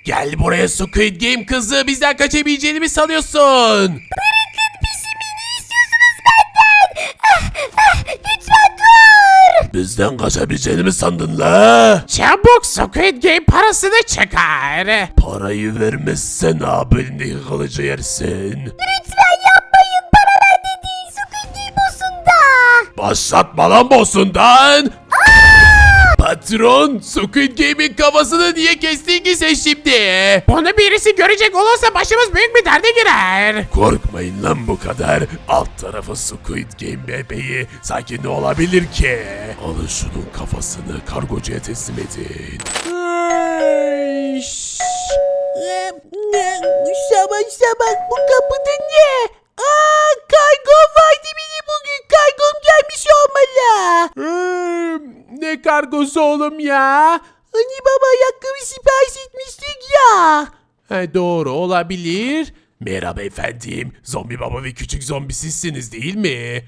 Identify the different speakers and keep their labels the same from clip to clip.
Speaker 1: Gel buraya Squid Game kızı, bizden kaçabileceğini mi sanıyorsun?
Speaker 2: Lütfen dur.
Speaker 1: Bizden kaçabileceğini mi sandın la? Çabuk Squid Game parasını çıkar. Parayı vermezsen abinin kılıcı yersin.
Speaker 2: Lütfen yapmayın. Para bende değil. Squid Game boss'unda.
Speaker 1: Başlatma lan bossundan. Patron, Squid Game'in kafasını niye kestin ki sen şimdi? Bunu birisi görecek olursa başımız büyük bir derde girer. Korkmayın lan bu kadar. Alt tarafı Squid Game bebeği. Sanki ne olabilir ki? Alın şunun kafasını kargocuya teslim edin.
Speaker 2: Sabah sabah bu kapıda ne? Kargo vardı benim bugün. Kargom gelmiş olmalı.
Speaker 1: Ne kargosu oğlum ya?
Speaker 2: Hani baba ayakkabı sipariş etmiştik ya.
Speaker 1: Doğru olabilir. Merhaba efendim. Zombi baba ve küçük zombi sizsiniz değil mi?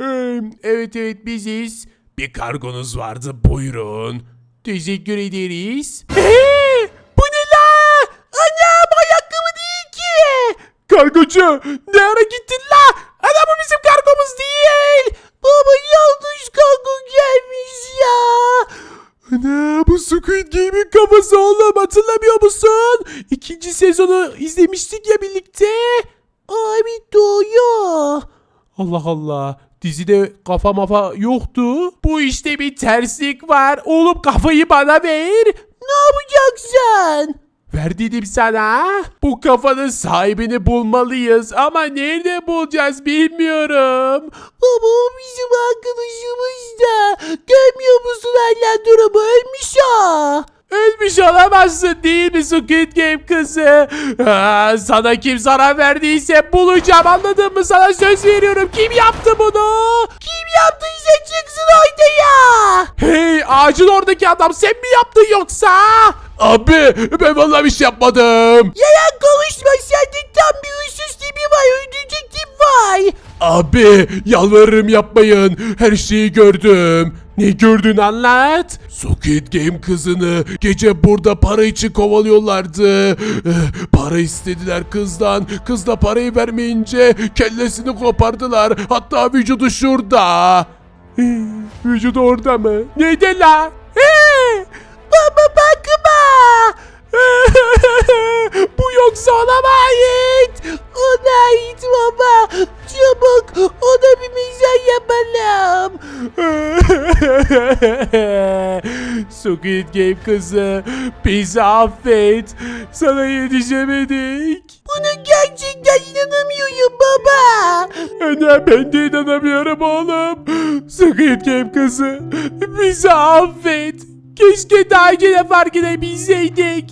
Speaker 1: Evet biziz. Bir kargonuz vardı, buyurun. Teşekkür ederiz. Bu ne la? Anam, ayakkabı değil ki. Kargocu, ne ara gittin la? Ana, bu bizim kargomuz değil.
Speaker 2: Baba yanlış kargo gelmiş ya.
Speaker 1: Ana, bu Squid Game'in kafası oğlum, hatırlamıyor musun? 2. sezonu izlemiştik ya birlikte.
Speaker 2: Abi doğru.
Speaker 1: Allah Allah. Dizide kafa mafa yoktu. Bu işte bir terslik var. Oğlum kafayı bana ver.
Speaker 2: Ne yapacaksın?
Speaker 1: Ver dedim sana. Bu kafanın sahibini bulmalıyız. Ama nerede bulacağız bilmiyorum.
Speaker 2: Baba o bizim arkadaşımız da. Görmüyor musun hala durumu ölmüş o.
Speaker 1: Ölmüş olamazsın değil mi Squid Game kızı? Sana kim zarar verdiyse bulacağım, anladın mı? Sana söz veriyorum. Kim yaptı bunu?
Speaker 2: Kim yaptıysa çıksın ortaya.
Speaker 1: Hey, ağacın oradaki adam sen mi yaptın yoksa? Abi, ben vallahi bir şey yapmadım.
Speaker 2: Yalan konuşma, sende tam bir huysuz tipi var, öldürecek tip var.
Speaker 1: Abi, yalvarırım yapmayın. Her şeyi gördüm. Ne gördün, anlat. Squid Game kızını gece burada para için kovalıyorlardı. Para istediler kızdan. Kız da parayı vermeyince kellesini kopardılar. Hatta vücudu şurada. Vücudu orada mı? Neydi la?
Speaker 2: Baba bakma.
Speaker 1: Bu yoksa ona mı ait?
Speaker 2: Ona ait baba. Çabuk ona bir mezar yapalım.
Speaker 1: Squid Game kızı, bizi affet. Sana yetişemedik.
Speaker 2: Buna gerçekten inanamıyorum baba.
Speaker 1: Ana, ben de inanamıyorum oğlum. Squid Game kızı, bizi affet. Keşke daha önce de fark edebilseydik.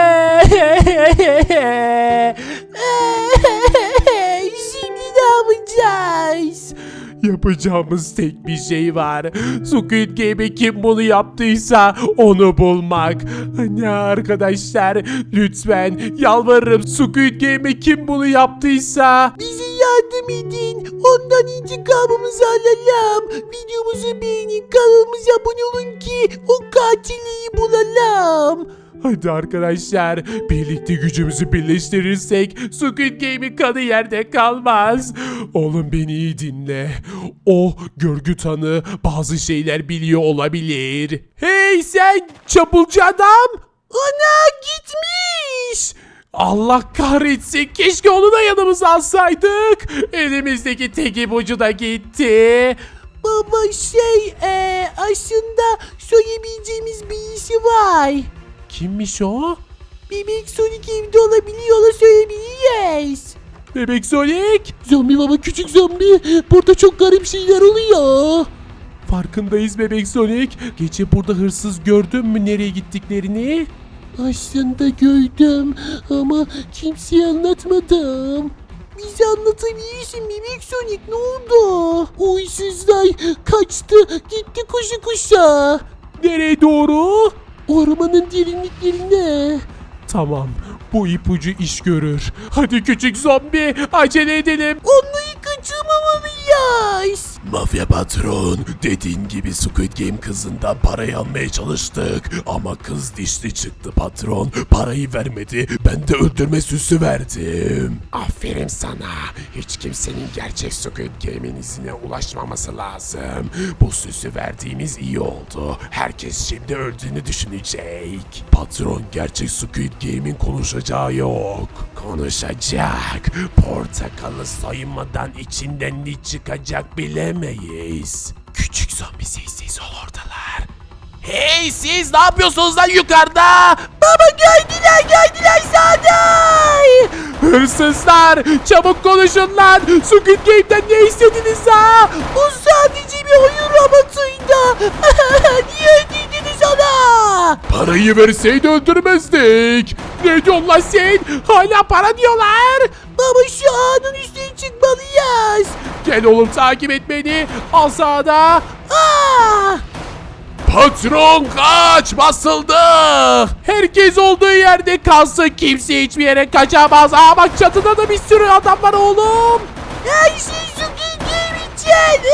Speaker 2: Şimdi ne yapacağız?
Speaker 1: Yapacağımız tek bir şey var. Squid Game'e kim bunu yaptıysa onu bulmak. Hani arkadaşlar, lütfen yalvarırım, Squid Game'e kim bunu yaptıysa
Speaker 2: Bize yardım edin. Ondan intikamımızı alalım. Videomuzu beğenin. Kanalımıza abone olun ki o katili bulalım.
Speaker 1: hadi arkadaşlar, birlikte gücümüzü birleştirirsek Squid Game'in kanı yerde kalmaz. Oğlum, beni iyi dinle. O görgü tanı bazı şeyler biliyor olabilir. Hey sen çapulcu adam! Ana, gitmiş! Allah kahretsin, keşke onu da yanımıza alsaydık. Elimizdeki tek ipucu da gitti.
Speaker 2: Baba aslında söyleyebileceğimiz birisi var.
Speaker 1: Kimmiş o?
Speaker 2: Bebek Sonic evde olabiliyor, ona söyleyebiliriz.
Speaker 1: Bebek Sonic.
Speaker 2: Zombi baba, küçük zombi. Burada çok garip şeyler oluyor.
Speaker 1: Farkındayız Bebek Sonic. Gece burada hırsız gördün mü nereye gittiklerini?
Speaker 2: Aslında gördüm ama kimseye anlatmadım. Bize anlatabilirsin Bebek Sonic, ne oldu? O hırsızlar kaçtı, gitti koşu koşa.
Speaker 1: Nereye doğru?
Speaker 2: Ormanın derinliklerine.
Speaker 1: Tamam, bu ipucu iş görür. Hadi küçük zombi, acele edelim.
Speaker 2: Onları kaçırmamalıyız.
Speaker 1: Mafya patron, dediğin gibi Squid Game kızından parayı almaya çalıştık. Ama kız dişli çıktı patron. Parayı vermedi, ben de öldürme süsü verdim. Aferin sana. Hiç kimsenin gerçek Squid Game'in izine ulaşmaması lazım. Bu süsü verdiğimiz iyi oldu. Herkes şimdi öldüğünü düşünecek. Patron, gerçek Squid Game'in konuşacağı yok. Konuşacak. Portakalı soymadan içinden ne çıkacak bilemeyiz. Küçük zombi sessiz ol, oradalar. Hey, siz ne yapıyorsunuz lan yukarıda?
Speaker 2: Baba geldiler Saday.
Speaker 1: Hırsızlar, çabuk konuşun lan. Squid Game'den ne istediniz ha?
Speaker 2: Bu sadece bir oyun robotuydu. Niye ödediniz ona?
Speaker 1: Parayı verseydi öldürmezdik. Ne diyorsun lan sen? Hala para diyorlar.
Speaker 2: Baba şu ağanın üstüne çıkmalıyız.
Speaker 1: Gel oğlum, takip et beni. Al sağda.
Speaker 2: Aa!
Speaker 1: Patron kaç, basıldı. Herkes olduğu yerde kalsın, kimse hiçbir yere kaçamaz. Aa bak, çatıda da bir sürü adam var oğlum.
Speaker 2: Her şey Squid Game için.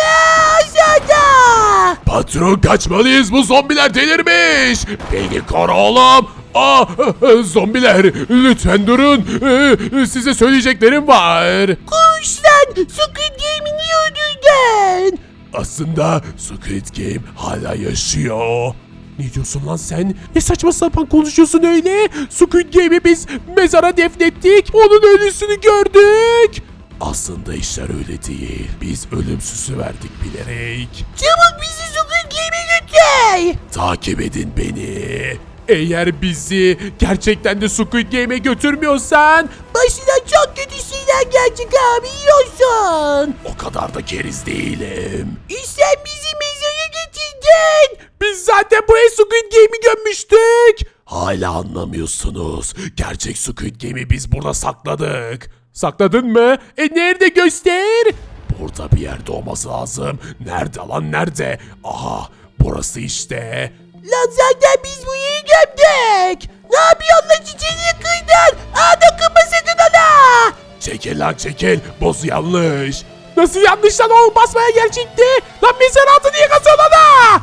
Speaker 2: Aşağıda.
Speaker 1: Patron, kaçmalıyız, bu zombiler delirmiş. Beni koru oğlum. Zombiler lütfen durun. Size söyleyeceklerim var.
Speaker 2: Konuş lan. Squid Game'i niye öldürdün?
Speaker 1: Aslında Squid Game hala yaşıyor. Ne diyorsun lan sen? Ne saçma sapan konuşuyorsun öyle? Squid Game'i biz mezara defnettik. Onun ölüsünü gördük. Aslında işler öyle değil. Biz ölüm süsü verdik bilerek.
Speaker 2: Çabuk bizi Squid Game'e götür.
Speaker 1: Takip edin beni. Eğer bizi gerçekten de Squid Game'e götürmüyorsan
Speaker 2: Başına çok kötü şeyler gelecek abi, yiyorsun.
Speaker 1: o kadar da keriz değilim.
Speaker 2: Sen bizi mezara getirdin.
Speaker 1: Biz zaten buraya Squid Game'i gömmüştük. Hala anlamıyorsunuz. Gerçek Squid Game'i biz burada sakladık. Sakladın mı? Nerede, göster. Burada bir yerde olması lazım. Nerede lan, nerede? Aha, burası işte.
Speaker 2: Lan zaten biz bu yeri gömdük. Ne yapıyorsun lan, çiçeğini kıydın? Dokunma sakın ona.
Speaker 1: Çekil lan çekil. Boz yanlış. Nasıl yanlış lan oğlum, basmaya gelecekti. Lan mezar altı niye kazıyorsun ona?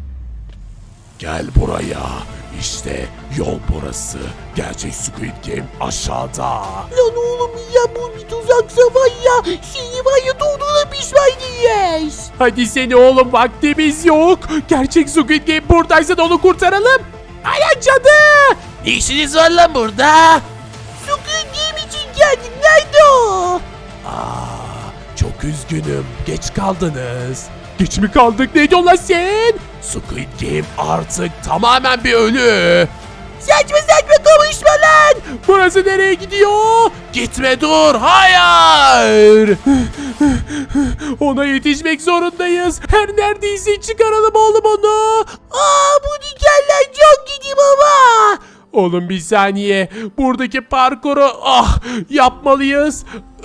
Speaker 1: Gel buraya. İşte yol burası. Gerçek Squid Game aşağıda.
Speaker 2: Lan oğlum ya, bu bir tuzaksa var ya. Seni var ya, doğduğuna pişman değiliz.
Speaker 1: Hadi seni oğlum, vaktimiz yok. Gerçek Squid Game buradaysa da onu kurtaralım. Ay cadı. Ne işiniz var lan burada?
Speaker 2: Squid Game için geldik, nerede o?
Speaker 1: Çok üzgünüm. Geç kaldınız. Geç mi kaldık? Ne diyorsun lan sen? Squid Game artık tamamen bir ölü.
Speaker 2: Saçma konuşma lan.
Speaker 1: Burası nereye gidiyor? Gitme, dur. Hayır. Ona yetişmek zorundayız. Her neredeyse çıkaralım oğlum onu.
Speaker 2: Bu dikenler çok gidi baba.
Speaker 1: Oğlum bir saniye. Buradaki parkuru yapmalıyız.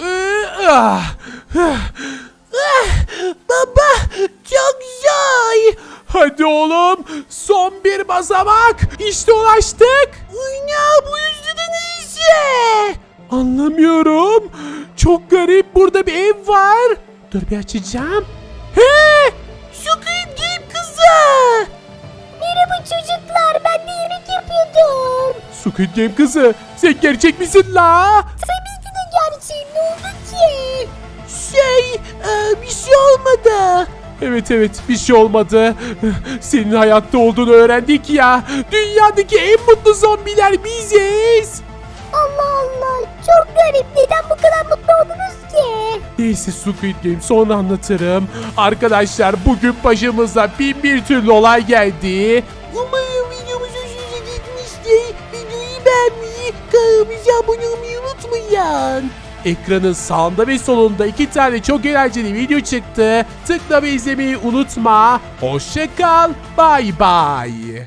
Speaker 2: Baba çok zor.
Speaker 1: Hadi oğlum. Son bir basamak. İşte ulaştık.
Speaker 2: Uyna, bu yüzden neyse.
Speaker 1: Anlamıyorum. Çok garip. Burada bir ev var. Dur bir açacağım. He!
Speaker 2: Squid Game kızı.
Speaker 3: Merhaba çocuklar, ben de yemek yapıyordum.
Speaker 1: Squid Game kızı. Sen gerçek misin la?
Speaker 3: Tabii ki de gerçeğim, ne oldu ki?
Speaker 2: Bir şey olmadı.
Speaker 1: Evet bir şey olmadı. Senin hayatta olduğunu öğrendik ya. Dünyadaki en mutlu zombiler biziz.
Speaker 3: Allah Allah, çok garip, neden bu kadar mutlu oldunuz ki?
Speaker 1: Neyse Squid Game, sonra anlatırım. Arkadaşlar, bugün başımıza bin bir türlü olay geldi.
Speaker 2: Umarım videomuz hoşunuza gitmiştir. Videoyu beğenmeyi, kanalımıza abone olmayı unutmayın.
Speaker 1: Ekranın sağında ve solunda 2 tane çok eğlenceli video çıktı. Tıkla ve izlemeyi unutma. Hoşça kal. Bay bay.